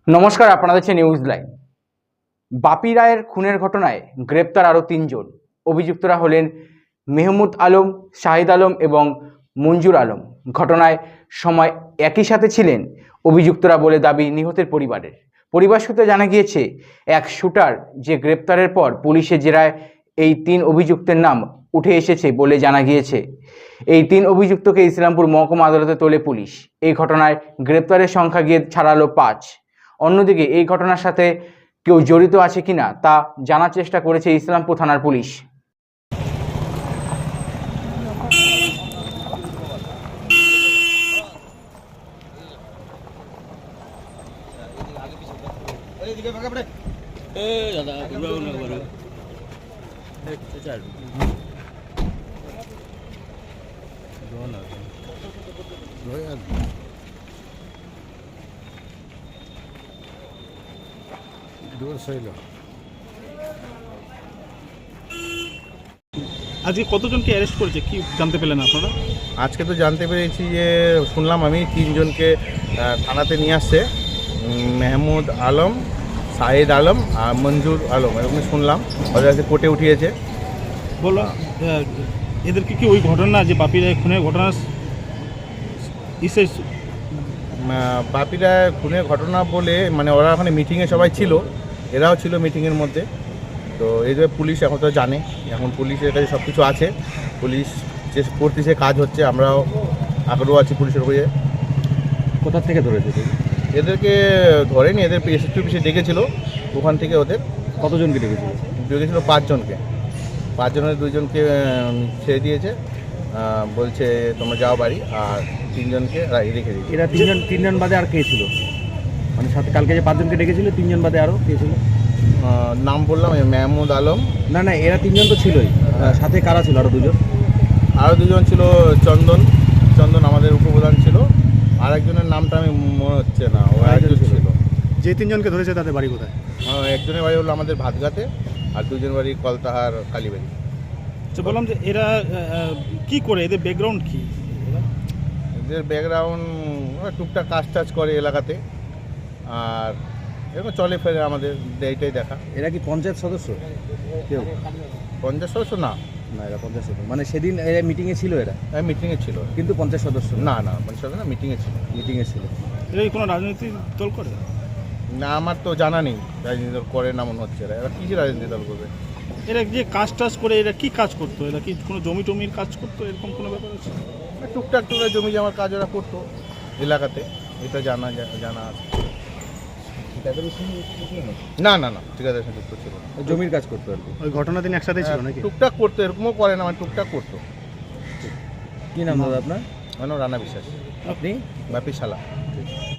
নমস্কার, আপনারা দেখছেন নিউজ লাইভ। বাপি রায়ের খুনের ঘটনায় গ্রেপ্তার আরও তিনজন। অভিযুক্তরা হলেন মেহমুদ আলম, শাহিদ আলম এবং মঞ্জুর আলম। ঘটনায় সময় একই সাথে ছিলেন অভিযুক্তরা বলে দাবি নিহতের পরিবার সূত্রে জানা গিয়েছে, এক শুটার যে গ্রেপ্তারের পর পুলিশের জেরায় এই তিন অভিযুক্তের নাম উঠে এসেছে বলে জানা গিয়েছে। এই তিন অভিযুক্তকে ইসলামপুর মহকুমা আদালতে তোলে পুলিশ। এই ঘটনায় গ্রেপ্তারের সংখ্যা গিয়ে ছাড়ালো 5। অন্যদিকে এই ঘটনার সাথে কেউ জড়িত আছে কিনা তা জানার চেষ্টা করেছে ইসলামপুর থানার পুলিশ। আজকে কতজনকে অ্যারেস্ট করেছে কি জানতে পেলেন আপনারা? আজকে তো জানতে পেরেছি যে শুনলাম আমি তিনজনকে থানাতে নিয়ে আসছে, মেহমুদ আলম, শাহিদ আলম আর মঞ্জুর আলম, এরকম শুনলাম। ওদের কাছে কোর্টে উঠিয়েছে। বললাম এদেরকে কি ওই ঘটনা যে বাপি রায় খুনের ঘটনা বাপিরা খুনের ঘটনা বলে মানে ওরা ওখানে মিটিংয়ে সবাই ছিল, এরাও ছিল মিটিংয়ের মধ্যে। তো এই যে পুলিশ এখন তো জানে, এখন পুলিশের কাছে সব কিছু আছে, পুলিশ যে করতেছে কাজ হচ্ছে, আমরাও আগ্রহ আছি পুলিশের হয়ে। কোথা থেকে ধরেছে? এদেরকে ধরেনি, এদের এসএসপি অফিসে ডেকেছিল, ওখান থেকে ওদের কতজনকে ডেকেছিল? 5 জনকে। 5 জনের 2 জনকে ছেড়ে দিয়েছে, বলছে তোমরা যাও বাড়ি, আর 3 জনকে রেখে দিয়েছে। এরা তিনজন বাদে আর কে ছিল? মানে সাথে কালকে যে 5 জনকে ডেকেছিল 3 জন বাদে আরও কে ছিল? নাম বললাম মেহমুদ আলম। না এরা 3 জন তো ছিলই, সাথে কারা ছিল আরও 2 জন? আরও 2 জন ছিল চন্দন আমাদের উপপ্রধান ছিল, আর একজনের নামটা আমি মনে হচ্ছে না, ও একজন ছিল। যে 3 জনকে ধরেছে তাদের বাড়ি কোথায়? একজনের বাড়ি হলো আমাদের ভাতগাতে, আর 2 জনের বাড়ি কলতাহার কালীবাড়ি। তো বললাম যে এরা কি করে, এদের ব্যাকগ্রাউন্ড কি? এদের ব্যাকগ্রাউন্ড টুকটাক কাজ করে এলাকাতে, আর এরকম চলে ফেরে আমাদের এইটাই দেখা। এরা কি পঞ্চায়েত সদস্য কেউ? পঞ্চায়েত সদস্য না, এরা পঞ্চায়েত সদস্য মানে সেদিন এরা মিটিংয়ে ছিল, এরা মিটিংয়ে ছিল কিন্তু পঞ্চায়েত সদস্য না, পঞ্চায়েত সদস্য না, মিটিংয়ে ছিল। এরা কি কোনো রাজনৈতিক দল করে? না, আমার তো জানা নেই রাজনীতি দল করে না মনে হচ্ছে। এরা কী রাজনীতি দল করবে? এরা যে কাজ করে এরা কি কাজ করতো? এরা কি কোনো জমি টমির কাজ করতো, এরকম কোনো ব্যাপার আছে? টুকটাক জমি জমার কাজ ওরা করতো এলাকাতে, এটা জানা আছে। না ঠিকাদারের সঙ্গে যুক্ত ছিল, জমির কাজ করতো আর কি। ওই ঘটনা দিন একসাথে ছিল নাকি? টুকটাক করতো, এরকমও করে না, মানে টুকটাক করতো। কি নাম দাদা আপনার? মানে রানা বিশ্বাস, আপনি? বাপি শালা।